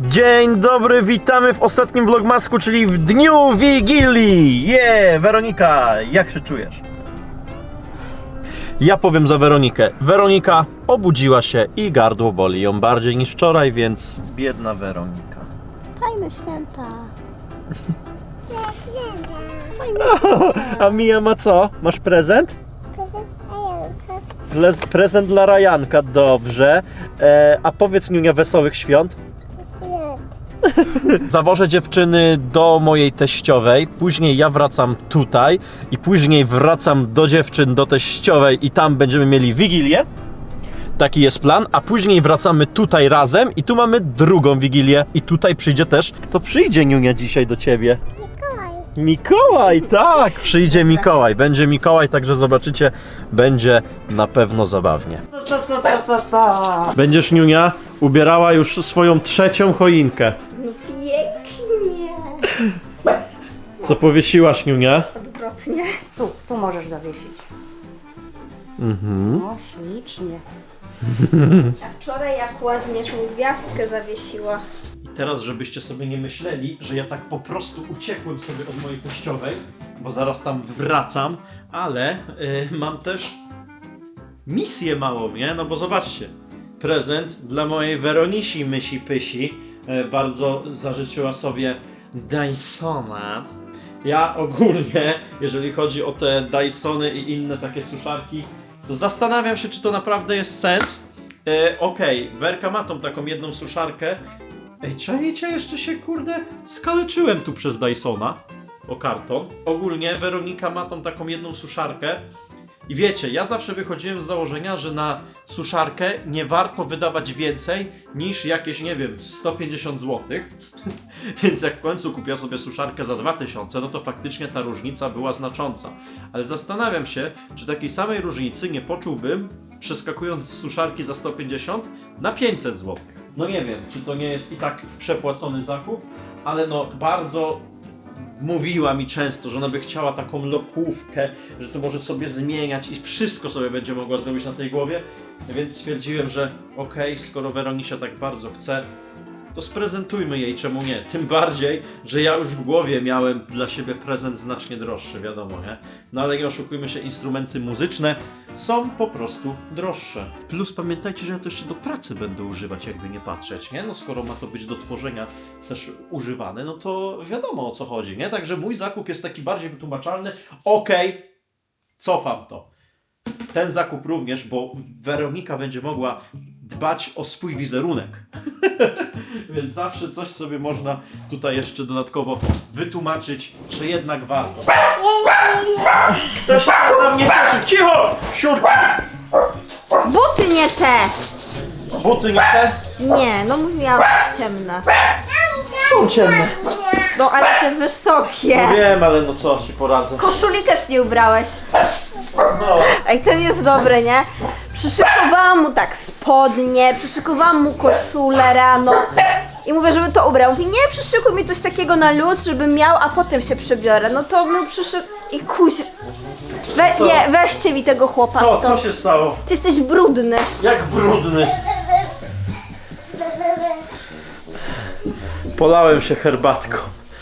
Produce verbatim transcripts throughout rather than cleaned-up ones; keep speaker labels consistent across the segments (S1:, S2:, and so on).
S1: Dzień dobry, witamy w ostatnim vlogmasku, czyli w dniu Wigilii. Yeah, Weronika, jak się czujesz? Ja powiem za Weronikę. Weronika obudziła się i gardło boli ją bardziej niż wczoraj, więc biedna Weronika.
S2: Fajne święta.
S1: A Mija ma co? Masz prezent? Pre- prezent dla Rajanka, dobrze. E, a powiedz, Niunia, wesołych świąt. Zawożę dziewczyny do mojej teściowej, później ja wracam tutaj i później wracam do dziewczyn, do teściowej i tam będziemy mieli Wigilię. Taki jest plan, a później wracamy tutaj razem i tu mamy drugą Wigilię. I tutaj przyjdzie też, kto przyjdzie, Niunia, dzisiaj do ciebie?
S2: Mikołaj.
S1: Mikołaj, tak, przyjdzie Mikołaj, będzie Mikołaj, także zobaczycie, będzie na pewno zabawnie. Będziesz, Niunia, ubierała już swoją trzecią choinkę.
S2: No pięknie.
S1: Co powiesiłaś, Niunia?
S2: Odwrotnie. Tu, tu możesz zawiesić.
S1: Mhm.
S2: O, ślicznie. A wczoraj jak ładnie tą gwiazdkę zawiesiła.
S1: I teraz, żebyście sobie nie myśleli, że ja tak po prostu uciekłem sobie od mojej teściowej, bo zaraz tam wracam, ale y, mam też misję małą, nie? No bo zobaczcie, prezent dla mojej Weronisi Mysi Pysi, y, bardzo zażyczyła sobie Dysona. Ja ogólnie, jeżeli chodzi o te Dysony i inne takie suszarki, to zastanawiam się, czy to naprawdę jest sens. E, Okej, okay. Werka ma tą taką jedną suszarkę. Ej, czajcie, jeszcze się, kurde, skaleczyłem tu przez Dysona o karton. Ogólnie Weronika ma tą taką jedną suszarkę. I wiecie, ja zawsze wychodziłem z założenia, że na suszarkę nie warto wydawać więcej niż jakieś, nie wiem, sto pięćdziesiąt złotych. Więc jak w końcu kupiła sobie suszarkę za dwa tysiące, no to faktycznie ta różnica była znacząca. Ale zastanawiam się, czy takiej samej różnicy nie poczułbym, przeskakując z suszarki za sto pięćdziesiąt na pięćset złotych. No nie wiem, czy to nie jest i tak przepłacony zakup, ale no bardzo... Mówiła mi często, że ona by chciała taką lokówkę, że to może sobie zmieniać i wszystko sobie będzie mogła zrobić na tej głowie. Więc stwierdziłem, że okej, okay, skoro Weronisia tak bardzo chce, to sprezentujmy jej, czemu nie. Tym bardziej, że ja już w głowie miałem dla siebie prezent znacznie droższy, wiadomo, nie? No ale nie oszukujmy się, instrumenty muzyczne są po prostu droższe. Plus pamiętajcie, że ja to jeszcze do pracy będę używać, jakby nie patrzeć, nie? No skoro ma to być do tworzenia też używane, no to wiadomo, o co chodzi, nie? Także mój zakup jest taki bardziej wytłumaczalny. Okej, okay, cofam to. Ten zakup również, bo Weronika będzie mogła dbać o swój wizerunek. Więc zawsze coś sobie można tutaj jeszcze dodatkowo wytłumaczyć, że jednak warto. Ktoś się na mnie cieszy. Cicho! Siurka!
S2: Buty nie te!
S1: Buty nie te?
S2: Nie, no mówiłam ciemne.
S1: Są ciemne.
S2: No ale te wysokie.
S1: No wiem, ale no co ci poradzę.
S2: Koszuli też nie ubrałeś.
S1: No.
S2: Ej, ten jest dobry, nie? Przyszykowałam mu tak spodnie, przyszykowałam mu koszulę rano i mówię, żeby to ubrał. Mówi, nie, przyszykuj mi coś takiego na luz, żebym miał, a potem się przebiorę. No to mu przyszyk... I kuś... We,
S1: Co?
S2: nie, weźcie mi tego chłopa
S1: Co?
S2: stąd.
S1: Co się stało?
S2: Ty jesteś brudny.
S1: Jak brudny. Polałem się herbatką.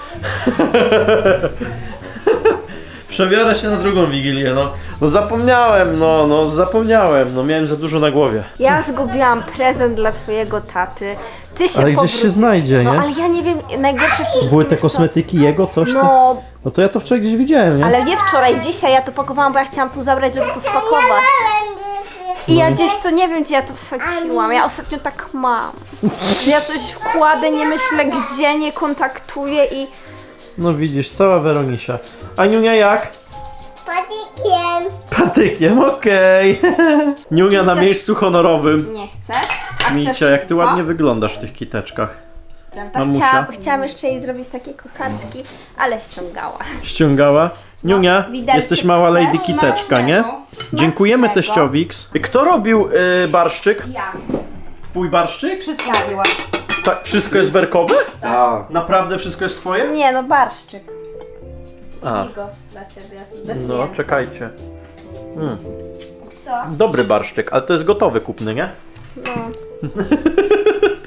S1: Przebiorę się na drugą Wigilię, no. No zapomniałem, no, no zapomniałem, no miałem za dużo na głowie.
S2: Ja zgubiłam prezent dla twojego taty. Ty się
S1: Ale gdzieś
S2: powróć-
S1: się znajdzie,
S2: No
S1: nie?
S2: ale ja nie wiem, najgorsze w tym
S1: Były te
S2: jest to-
S1: kosmetyki jego, coś tam?
S2: No,
S1: No to ja to wczoraj gdzieś widziałem, nie?
S2: ale nie wczoraj, dzisiaj ja to pakowałam, bo ja chciałam tu zabrać, żeby to spakować. I ja gdzieś to nie wiem, gdzie ja to wsadziłam. Ja ostatnio tak mam. Że ja coś wkładę, nie myślę gdzie, nie kontaktuję i...
S1: No widzisz, cała Weronisia. A Niunia jak?
S3: Patykiem.
S1: Patykiem, okej. Niunia na
S2: Chcesz-
S1: miejscu honorowym.
S2: Nie chcesz? A
S1: Micia,
S2: chcesz
S1: jak ty
S2: dwa?
S1: ładnie wyglądasz w tych kiteczkach.
S2: Prawda?
S1: Mamusia.
S2: Chciałam, chciałam jeszcze jej zrobić takie kokardki, ale ściągała.
S1: Ściągała. Niunia,
S2: widelczyk
S1: jesteś mała
S2: chcesz?
S1: lady kiteczka, nie?
S2: Smacznego.
S1: Dziękujemy
S2: Smacznego.
S1: teściowi. Kto robił y, barszczyk?
S2: Ja.
S1: Twój barszczyk?
S2: Wszystko robiłam.
S1: Tak, wszystko jest werkowe?
S4: Tak.
S1: Naprawdę wszystko jest twoje?
S2: Nie no, barszczyk.
S1: A,
S2: Bigos dla ciebie. Bez
S1: no
S2: mięsa.
S1: czekajcie. Mm.
S2: Co?
S1: Dobry barszczyk, ale to jest gotowy kupny, nie?
S2: No.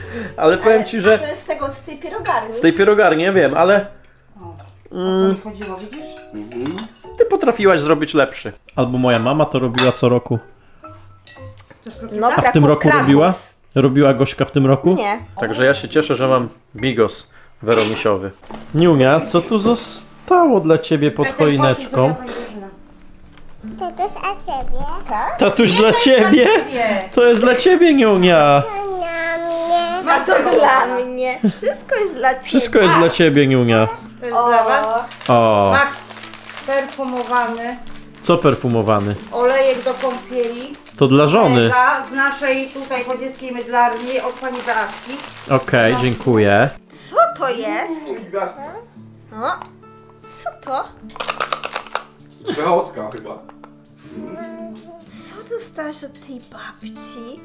S1: Ale powiem ci, że
S2: To jest z tego, z tej pierogarni.
S1: z tej pierogarni, nie wiem, ale
S4: O, o to
S1: mm,
S4: mi chodziło, widzisz?
S1: ty potrafiłaś zrobić lepszy. Albo moja mama to robiła co roku.
S4: Chcesz
S2: No,
S4: krokieta?
S1: W tym roku
S2: Krakus.
S1: robiła? Robiła Gośka w tym roku?
S2: Nie.
S1: Także ja się cieszę, że mam bigos weromisiowy. Niunia, co tu zostało dla ciebie pod choineczką?
S3: To też a ciebie?
S2: Tak?
S1: Tatuś dla ciebie?
S4: Nie.
S1: To jest dla ciebie, Niunia.
S3: To na mnie.
S2: A to dla mnie. Wszystko jest dla ciebie.
S1: Wszystko jest dla ciebie, Niunia.
S4: To jest dla was.
S1: O,
S4: Max perfumowany,
S1: co perfumowany?
S4: olejek do kąpieli.
S1: To dla żony.
S4: Mega z naszej tutaj chodzieckiej mydlarni od pani Beatki.
S1: Okej, dziękuję.
S2: Co to jest? No. Co to?
S5: Przechodka chyba.
S2: Co dostałaś od tej babci?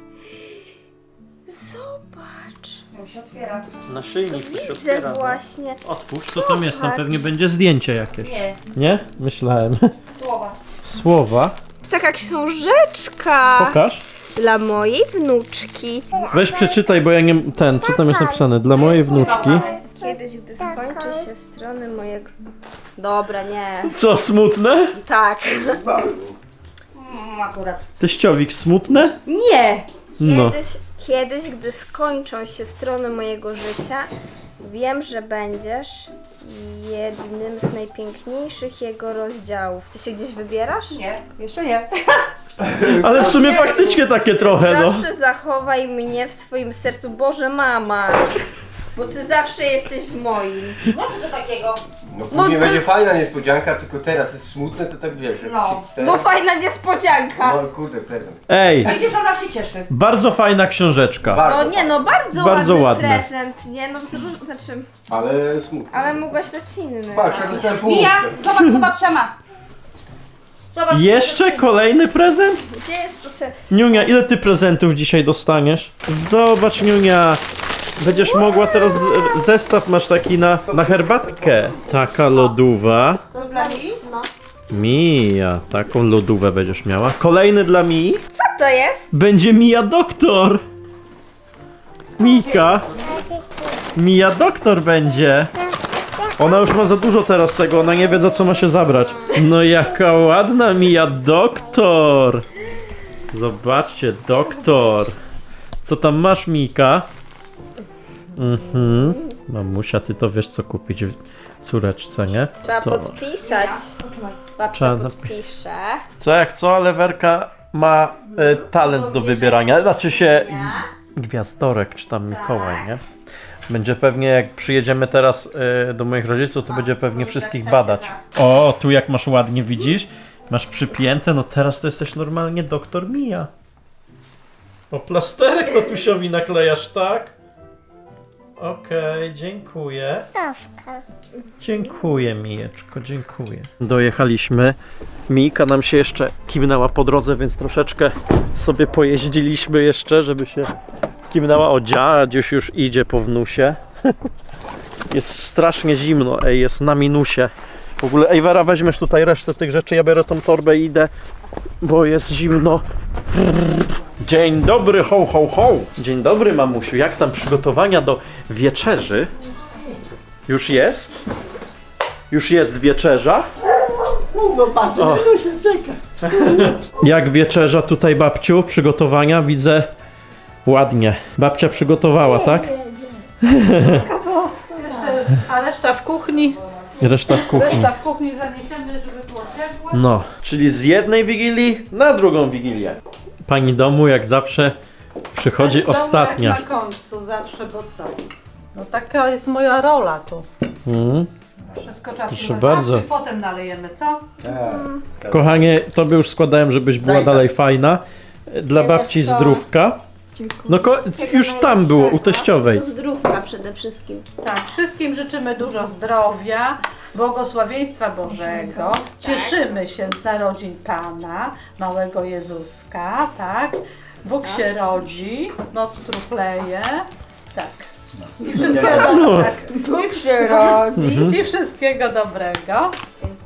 S2: Zobacz.
S4: Ją się otwiera.
S1: Naszyjnik tu się
S2: Widzę
S1: otwiera. no.
S2: właśnie.
S1: Otwórz, co tam jest? Tam pewnie będzie zdjęcie jakieś.
S4: Nie,
S1: Nie? Myślałem.
S4: słowa.
S1: Słowa.
S2: Taka książeczka
S1: Pokaż.
S2: dla mojej wnuczki.
S1: Weź przeczytaj, bo ja nie... Ten, co tam jest napisane? Dla mojej wnuczki.
S2: Kiedyś, gdy skończy się strony mojego... Dobra, nie.
S1: Co, smutne?
S2: Tak.
S4: Mm, akurat.
S1: Teściowik smutne?
S4: Nie!
S1: No.
S2: Kiedyś, kiedyś, gdy skończą się strony mojego życia, wiem, że będziesz jednym z najpiękniejszych jego rozdziałów. Ty się gdzieś wybierasz?
S4: Nie, jeszcze nie.
S1: Ale w sumie faktycznie takie trochę, no.
S2: Zawsze zachowaj mnie w swoim sercu. Boże, mama! Bo ty zawsze jesteś w moim.
S4: No co to takiego?
S5: No później
S2: No to-
S5: będzie fajna niespodzianka, tylko teraz jest smutne, to tak wiesz. jak
S4: No.
S5: się ten-
S2: No fajna niespodzianka.
S5: No kurde, prezent.
S1: Ej,
S4: Widzisz, ona się cieszy.
S1: bardzo fajna książeczka.
S5: Bardzo
S2: No nie no, bardzo,
S1: Bardzo
S2: ładny
S1: ładne.
S2: prezent, nie no, zróż- znaczy,
S5: Ale smutne.
S2: ale mogłaś dać inny.
S5: Patrz, ja dostałem
S4: Mija,
S5: połówkę.
S4: zobacz co babcia ma. Zobacz,
S1: Jeszcze
S4: co-
S1: kolejny prezent?
S2: Gdzie jest to se...
S1: Niunia, ile ty prezentów dzisiaj dostaniesz? Zobacz, Niunia. Będziesz mogła teraz, z- zestaw masz taki na, na herbatkę. Taka lodówa.
S4: To dla niej?
S2: No.
S1: Mija, taką lodówę będziesz miała. Kolejny dla Mii.
S2: Co to jest?
S1: Będzie Mija Doktor. Mika. Mija Doktor będzie. Ona już ma za dużo teraz tego, ona nie wie, za co ma się zabrać. No jaka ładna Mija Doktor. Zobaczcie, Doktor. Co tam masz, Mika? Mhm. Mamusia, ty to wiesz, co kupić córeczce, nie?
S2: Trzeba
S1: To-
S2: podpisać. Babcia
S1: Trzeba napi-
S2: podpisze.
S1: Co jak co, ale Werka ma e, talent do wybierania. Znaczy się Gwiazdorek, czy tam Mikołaj, nie? Będzie pewnie, jak przyjedziemy teraz e, do moich rodziców, to będzie pewnie wszystkich badać. O, tu jak masz ładnie, widzisz? Masz przypięte, no teraz to jesteś normalnie doktor Mija. O, plasterek tatusiowi naklejasz, tak? Okej, dziękuję.
S3: Tawka.
S1: Dziękuję, Mijeczko, dziękuję. Dojechaliśmy. Mijka nam się jeszcze kimnęła po drodze, więc troszeczkę sobie pojeździliśmy jeszcze, żeby się kimnęła. O, dziadziuś już idzie po wnusie. Jest strasznie zimno, ej, jest na minusie. W ogóle, ej, Wera, weźmiesz tutaj resztę tych rzeczy, ja biorę tą torbę i idę, bo jest zimno. Dzień dobry, ho, ho, ho. Dzień dobry, mamusiu. Jak tam przygotowania do wieczerzy? Już jest? Już jest wieczerza?
S5: No patrz,
S1: O.
S5: się czeka.
S1: Jak wieczerza tutaj, babciu? Przygotowania? Widzę ładnie. Babcia przygotowała, tak?
S4: Jeszcze, a reszta w kuchni.
S1: Reszta w kuchni.
S4: Reszta w kuchni zaniesiemy, żeby było ciepło.
S1: No, czyli z jednej wigilii na drugą wigilię. Pani domu, jak zawsze, przychodzi
S4: Domek
S1: ostatnia.
S4: na końcu zawsze, bo co? No taka jest moja rola tu.
S1: Mm.
S4: Wszystko trzeba
S1: Proszę
S4: przygotować,
S1: bardzo.
S4: i potem nalejemy, co?
S5: Tak.
S1: Kochanie, tobie już składałem, żebyś była
S5: Daj
S1: dalej
S5: tak.
S1: fajna. Dla
S2: Nie,
S1: babci
S2: wiesz co?
S1: zdrówka. No ko- już tam było, u teściowej.
S2: Zdrówka przede wszystkim.
S4: Tak, wszystkim życzymy dużo zdrowia, błogosławieństwa Bożego. Cieszymy się z narodzin Pana, małego Jezuska, tak? Bóg się rodzi, noc trupleje, tak. I wszystkiego,
S1: No.
S4: tak.
S2: Bóg się rodzi.
S1: Mhm.
S4: I wszystkiego dobrego.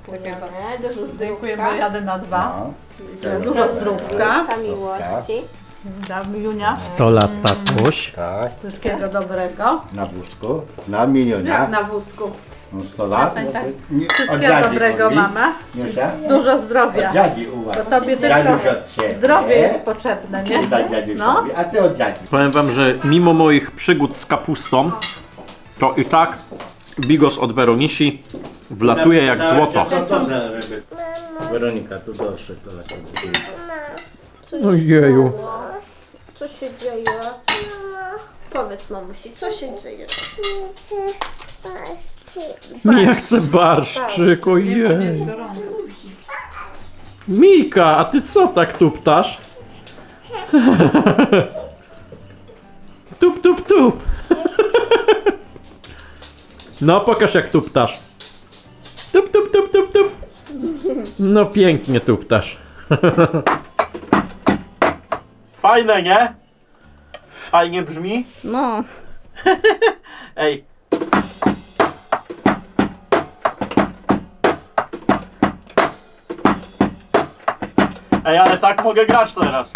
S2: Dziękujemy. Dużo zdrówka.
S4: Dziękujemy, jadę na dwa.
S5: No.
S4: Dużo zdrówka.
S2: Zdrówka, miłości.
S4: Dam Junia.
S1: sto lat, tatuś.
S5: Tak,
S4: Wszystkiego dobrego.
S5: na wózku, na minionia.
S4: Jak na wózku.
S5: No sto lat.
S4: Przestań tak.
S5: Nie, od
S4: Wszystkiego
S5: dziadzi
S4: dobrego,
S5: mówi.
S4: mama.
S5: Niesia?
S4: Dużo zdrowia.
S5: Od dziadzi uważaj.
S4: To tobie
S5: Dziaduś
S4: tylko
S5: od ciebie.
S4: zdrowie jest potrzebne, nie?
S5: Daj dziadusiowi,
S4: No.
S5: a ty od dziadzi.
S1: Powiem wam, że mimo moich przygód z kapustą, to i tak bigos od Weronisi wlatuje jak złoto.
S5: Co to za ryby? Weronika, tu doszedł to na ciebie.
S1: Ojeju.
S2: Co się dzieje? Powiedz mamusi, co się dzieje?
S1: Nie chcę barszczyk, ojej. Mika, a ty co tak tuptasz? Tup, tup, tup. No, pokaż jak tuptasz. Tup, tup, tup, tup, tup. No, pięknie tuptasz. Fajne, nie? Fajnie brzmi?
S2: No.
S1: Ej. Ej, ale tak mogę grać teraz.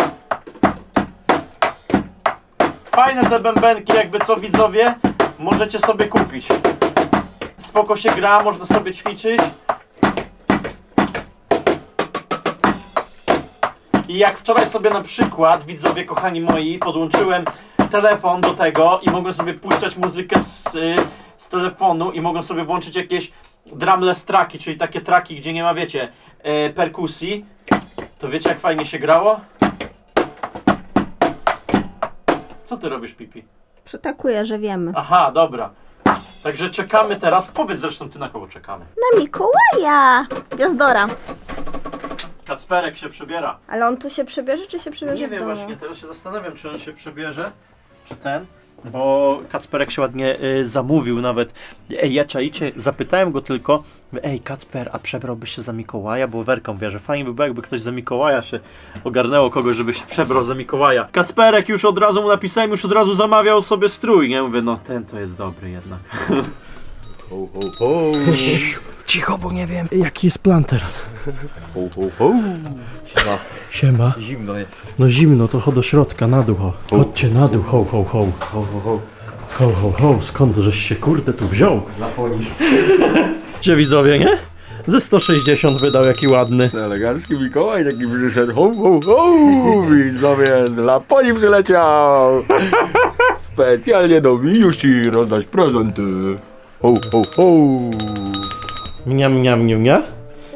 S1: Fajne te bębenki, jakby co widzowie, możecie sobie kupić. Spoko się gra, można sobie ćwiczyć. I jak wczoraj sobie na przykład, widzowie kochani moi, podłączyłem telefon do tego i mogłem sobie puszczać muzykę z, y, z telefonu i mogłem sobie włączyć jakieś drumless traki, czyli takie traki, gdzie nie ma, wiecie, y, perkusji. To wiecie jak fajnie się grało? Co ty robisz, Pipi?
S2: Przytakuję, że wiemy.
S1: Aha, dobra. Także czekamy teraz. Powiedz zresztą ty, na kogo czekamy.
S2: Na Mikołaja! Gwiazdora.
S1: Kacperek się przebiera.
S2: Ale on tu się przebierze, czy się przebierze
S1: Nie
S2: w
S1: wiem
S2: domu?
S1: właśnie, teraz się zastanawiam, czy on się przebierze, czy ten. Bo Kacperek się ładnie y, zamówił nawet. Ej, ja czaicie, zapytałem go tylko, ej Kacper, a przebrałbyś się za Mikołaja? Bo Werka mówi, że fajnie by było, jakby ktoś za Mikołaja się ogarnęło kogoś, żeby się przebrał za Mikołaja. Kacperek już od razu mu napisałem, już od razu zamawiał sobie strój, nie? Mówię, no ten to jest dobry jednak.
S5: Ho, ho, ho.
S1: Cicho, bo nie wiem, jaki jest plan teraz.
S5: Ho, ho, ho. Siema.
S1: Siema.
S5: Zimno jest.
S1: No zimno, to chodź do środka, na dół, ho. Chodźcie na dół, ho, ho, ho.
S5: Ho, ho, ho.
S1: Ho, ho, ho, skąd żeś się kurde tu wziął?
S5: Zaponisz.
S1: Gdzie widzowie, nie? Ze sto sześćdziesiąt wydał, jaki ładny.
S5: Elegancki Mikołaj taki przyszedł. Ho, ho, ho. Widzowie, z Laponii przyleciał. Specjalnie do Miusi rozdać prezenty. Ho, ho, ho.
S1: Mniam, mniam, mniam, mniam.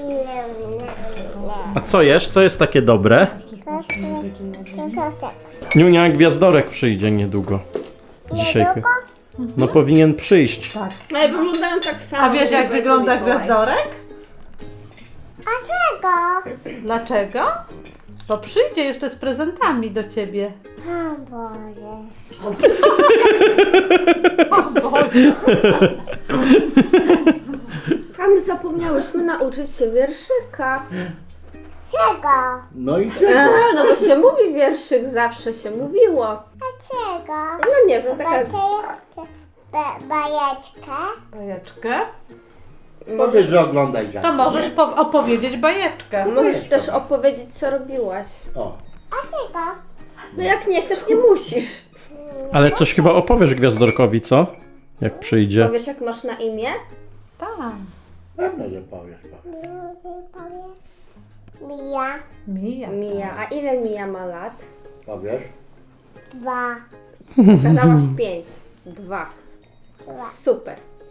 S1: A co jesz? Co jest takie dobre? Niunia, gwiazdorek przyjdzie niedługo. Dzisiaj. No powinien przyjść.
S2: Ale wyglądają tak samo.
S4: A wiesz jak wygląda gwiazdorek?
S3: A czego?
S4: Dlaczego? Bo przyjdzie jeszcze z prezentami do ciebie.
S3: O Boże.
S2: A my zapomniałyśmy nauczyć się wierszyka.
S3: Czego?
S5: No i
S2: A,
S5: czego?
S2: no bo się mówi wierszyk, zawsze się mówiło.
S3: A czego?
S2: No nie wiem, taka...
S3: Bajeczkę. Ba- bajeczkę.
S4: Bajeczkę?
S5: Powiedz, że oglądaj dziadka.
S4: To możesz po- opowiedzieć bajeczkę.
S2: Możesz też opowiedzieć, co robiłaś.
S5: O.
S3: A czego?
S2: No jak nie chcesz, nie musisz.
S1: Ale coś chyba opowiesz gwiazdorkowi, co? Jak przyjdzie.
S2: Powiesz, jak masz na imię?
S4: Tak.
S5: Pewno, że powiesz.
S3: Mija.
S4: Mija.
S2: Mija. A ile Mija ma lat?
S5: Powiesz?
S3: Dwa.
S2: Okazałaś pięć. Dwa. Super.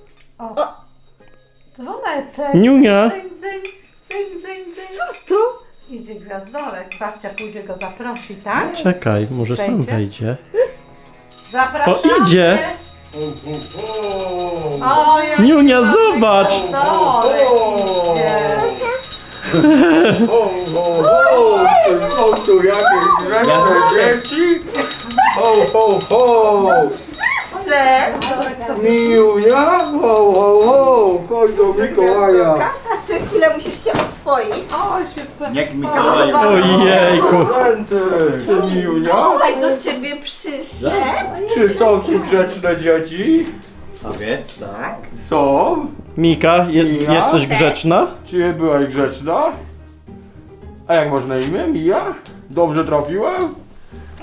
S4: Dzwoneczek.
S1: Niunia.
S4: Dzyń, dzyń, dzyń, dzyń, dzyń.
S2: Co to?
S4: Idzie gwiazdorek. Babcia pójdzie go zaprosi, tak?
S1: Czekaj, może sam
S4: Wejdzie?
S1: wejdzie.
S4: Zapraszamy.
S1: O, idzie.
S5: Ho, ho, ho.
S4: O, jak
S1: Niunia, zobacz!
S4: gwiazdorek idzie.
S5: Ho, ho, ho. Są tu jakieś grzeczne dzieci? Ho, ho, ho.
S4: Cześć.
S5: Miunia? Ho, ho, ho. Chodź do Mikołaja.
S2: A czy chwilę musisz się oswoić?
S4: O, się
S5: Jak Mikołaju.
S1: Ojejku.
S5: Prezenty. Miunia?
S2: Słuchaj, do ciebie przyszedł.
S5: Czy są tu grzeczne dzieci? Powiedz, tak. Są?
S1: Mika, je,
S5: Ja?
S1: jesteś grzeczna?
S5: Czy byłaś grzeczna? A jak masz na imię? Mija? Dobrze trafiłem?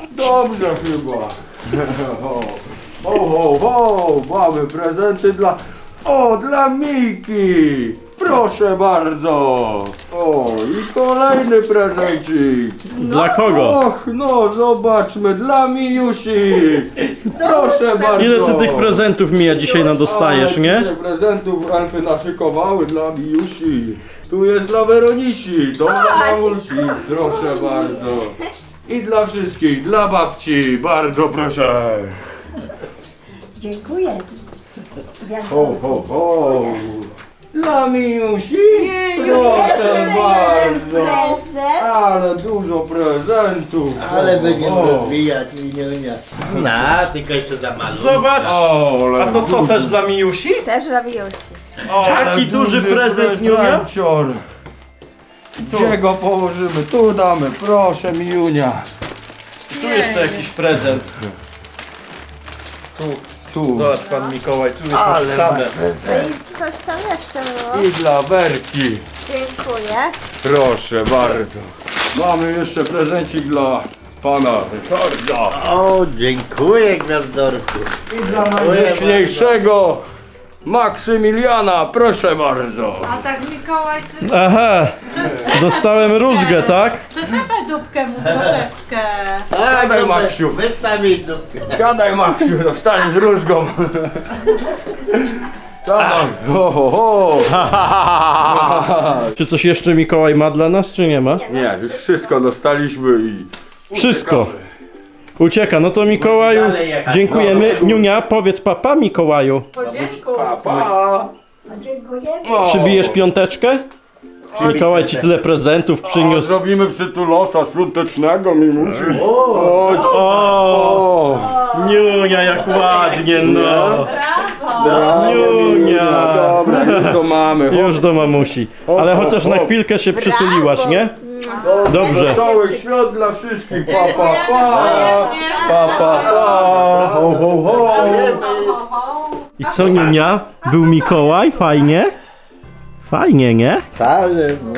S5: Dobrze chyba. Ho, ho, ho, ho. Mamy prezenty dla... O, dla Miki. Proszę bardzo. O, i kolejny prezencik.
S1: Dla kogo?
S5: Och, no zobaczmy, dla Mijusi. Proszę bardzo.
S1: Ile ty tych prezentów, Mija, dzisiaj nam dostajesz,
S5: A,
S1: nie?
S5: dzisiaj prezentów Alfy naszykowały dla Mijusi. Tu jest dla Weronisi, to dla mamusi. Proszę bardzo. I dla wszystkich, dla babci, bardzo proszę.
S2: Dziękuję.
S5: Ho, ho, ho. Dla Mijusi,
S4: Jej,
S5: proszę
S2: jeden
S5: bardzo.
S2: prezent.
S5: Ale dużo prezentów.
S6: Ale
S5: Ho,
S6: będziemy
S5: ho.
S6: rozwijać i nie nie. No, tylko jeszcze za mało.
S1: Zobacz!
S5: O, ale
S1: A to co,
S5: duży-
S1: też dla Mijusi?
S2: Też robiłeś.
S1: O, taki duży prezent, Niunia.
S5: prezencior. Gdzie go położymy? Tu damy, proszę Mijunia.
S1: Tu jeszcze jakiś prezent. Tu,
S5: Tu.
S1: zobacz pan Mikołaj, tu jest
S6: Ale
S1: napisane.
S2: No i coś tam jeszcze było.
S5: I dla Werki.
S2: Dziękuję.
S5: Proszę bardzo. Mamy jeszcze prezencik dla pana Ryszarda.
S6: O, dziękuję Gwiazdorku.
S5: I dla najgrzeczniejszego Maksymiliana, proszę bardzo.
S4: A tak Mikołaj, ty
S1: Aha, dostałem rózgę, tak?
S4: przyczepaj dupkę mu troszeczkę.
S6: Tak,
S5: Siadaj,
S6: no,
S5: Maksiu.
S6: wystaw mi dupkę.
S5: Siadaj Maksiu, dostaniesz rózgą. Siadaj. Ho, ho, ho.
S1: Czy coś jeszcze Mikołaj ma dla nas, czy nie ma?
S5: Nie, już wszystko dostaliśmy i...
S1: Wszystko.
S5: uciekamy.
S1: Ucieka, no to Mikołaju,
S6: Dalej jechać.
S1: dziękujemy.
S5: No.
S1: Niunia, powiedz papa Mikołaju.
S4: Podziękuj.
S5: Pa, pa.
S2: Dziękujemy.
S5: O.
S1: Przybijesz piąteczkę? Mikołaj ci tyle prezentów
S5: O,
S1: przyniósł.
S5: zrobimy przytulosa świątecznego, mi musi.
S6: O,
S5: Chodź.
S1: O, Niunia, jak ładnie, no.
S4: Brawo.
S1: Niunia.
S5: Dobra, już to mamy. Chodź.
S1: Już do mamusi. Ale chociaż na chwilkę się przytuliłaś, nie? Dobrze.
S5: Całych świąt dla wszystkich. Pa, pa, pa.
S4: Wzajemnie.
S5: Pa, pa, pa. Ho, ho, ho.
S4: Ho, ho.
S1: I co, Niunia? Był Mikołaj? Fajnie? Fajnie, nie?
S6: cały, no.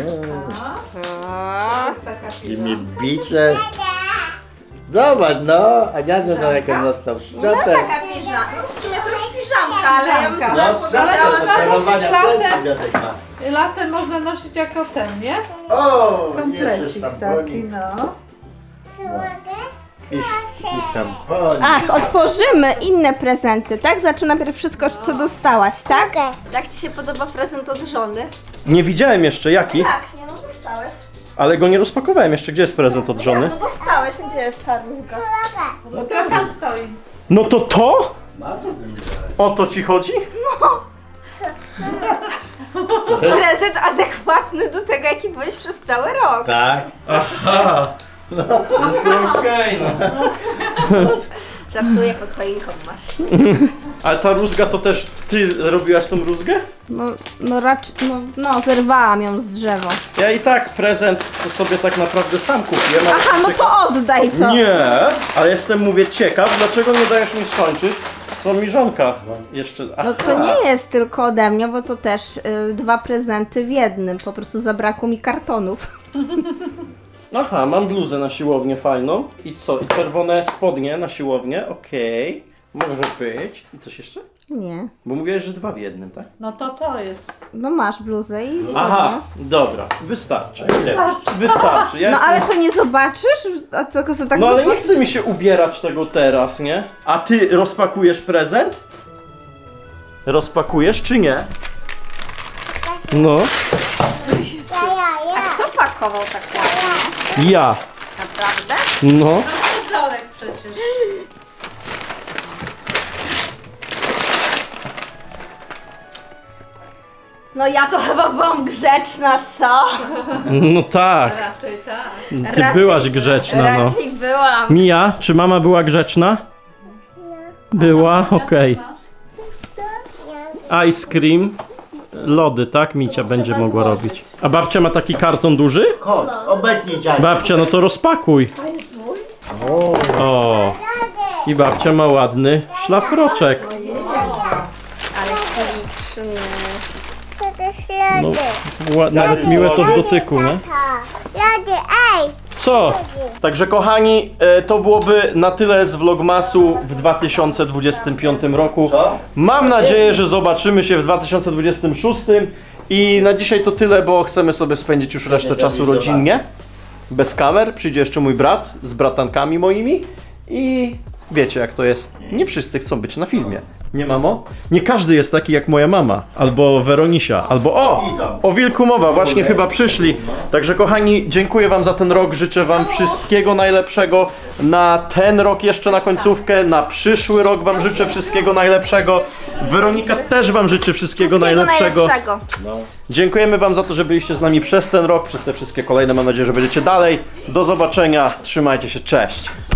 S4: To jest taka
S6: I
S4: piła.
S6: mi bicze. Zobacz, no, a dziadzio no jak on dostał
S2: No
S6: szczotę.
S2: taka piżamka. No w sumie to już piżamka, ale ja bym
S4: No,
S2: chyba
S6: No,
S2: powiedziała,
S6: szczotę
S2: że...
S6: do sterowania
S4: latem.
S6: pędzli dziadek ma.
S4: Latem można nosić jako ten, nie?
S6: O, jeszcze
S4: Komplecik taki,
S6: szamponik.
S4: no.
S6: I, i szamponik.
S2: Ach, otworzymy inne prezenty, tak? Zacznę najpierw wszystko, co dostałaś, tak?
S3: Okej.
S2: Jak ci się podoba prezent od żony?
S1: Nie widziałem jeszcze jaki,
S2: Jak? Nie, no dostałeś.
S1: ale go nie rozpakowałem jeszcze. Gdzie jest prezent od żony?
S2: No dostałeś, gdzie jest ta rózga?
S6: No
S4: To
S6: tak,
S4: tam stoi.
S1: No to to?
S6: ma to duże.
S1: O to ci chodzi?
S2: Prezent adekwatny do tego, jaki byłeś przez cały rok.
S6: Tak.
S1: Aha. No to okej, no.
S2: Żartuję, pod choinką masz.
S1: Ale ta rózga to też ty robiłaś tą rózgę?
S2: No, no raczej, no, no zerwałam ją z drzewa.
S1: Ja i tak prezent to sobie tak naprawdę sam kupiłem. ale
S2: Aha, no
S1: ciekaw-
S2: to oddaj to.
S1: Nie, ale jestem, mówię, ciekaw, dlaczego nie dajesz mi skończyć, co mi żonka jeszcze...
S2: No to nie jest tylko ode mnie, bo to też y, dwa prezenty w jednym. Po prostu zabrakło mi kartonów.
S1: Aha, mam bluzę na siłownię fajną. I co? I czerwone spodnie na siłownię, okej. Może być. I coś jeszcze?
S2: Nie.
S1: Bo mówiłeś, że dwa w jednym, tak?
S4: No to to jest.
S2: No masz bluzę i spodnie.
S1: Aha, dobra, wystarczy.
S6: Ile?
S1: Wystarczy. Ja
S2: No
S1: jestem...
S2: ale to nie zobaczysz? A tylko co tak
S1: No ale nie
S2: zobaczysz?
S1: chce mi się ubierać tego teraz, nie? A ty rozpakujesz prezent? Rozpakujesz czy nie? No,
S3: Ja, ja, ja.
S2: Kto pakował tak ładnie?
S1: ja.
S2: Naprawdę?
S1: No.
S4: Wzorek przecież.
S2: No ja to chyba byłam grzeczna, co?
S1: No tak.
S4: Raczej tak.
S1: Ty
S2: Raczej-
S1: byłaś grzeczna, no.
S2: Raczej byłam.
S1: Mija, czy mama była grzeczna? Była? Okej. Ice cream. Lody, tak? Micia będzie
S2: trzeba
S1: mogła
S2: złożyć.
S1: robić. A babcia ma taki karton duży?
S6: Chodź, obecnij dziadzio.
S1: Babcia, no to rozpakuj.
S6: O,
S1: O. I babcia ma ładny szlafroczek.
S2: Ale śliczny.
S3: To też
S1: No,
S3: lody.
S1: ła- nawet miłe to w dotyku, nie?
S3: Tato, lody, ej.
S1: Co? Także kochani, e, to byłoby na tyle z Vlogmasu w dwa tysiące dwudziestym piątym roku.
S6: Co?
S1: Mam nadzieję, że zobaczymy się w dwa tysiące dwudziestym szóstym. I na dzisiaj to tyle, bo chcemy sobie spędzić już resztę czasu rodzinnie. Bez kamer. Przyjdzie jeszcze mój brat z bratankami moimi. I wiecie jak to jest. Nie wszyscy chcą być na filmie. Nie, mamo? Nie każdy jest taki jak moja mama. Albo Weronisia. Albo o! O wilku mowa. Właśnie chyba przyszli. Także kochani, dziękuję wam za ten rok. Życzę wam wszystkiego najlepszego na ten rok jeszcze na końcówkę. Na przyszły rok wam życzę wszystkiego najlepszego. Weronika też wam życzy wszystkiego,
S2: Wszystkiego
S1: najlepszego.
S2: najlepszego.
S1: Dziękujemy wam za to, że byliście z nami przez ten rok, przez te wszystkie kolejne. Mam nadzieję, że będziecie dalej. Do zobaczenia. Trzymajcie się. Cześć.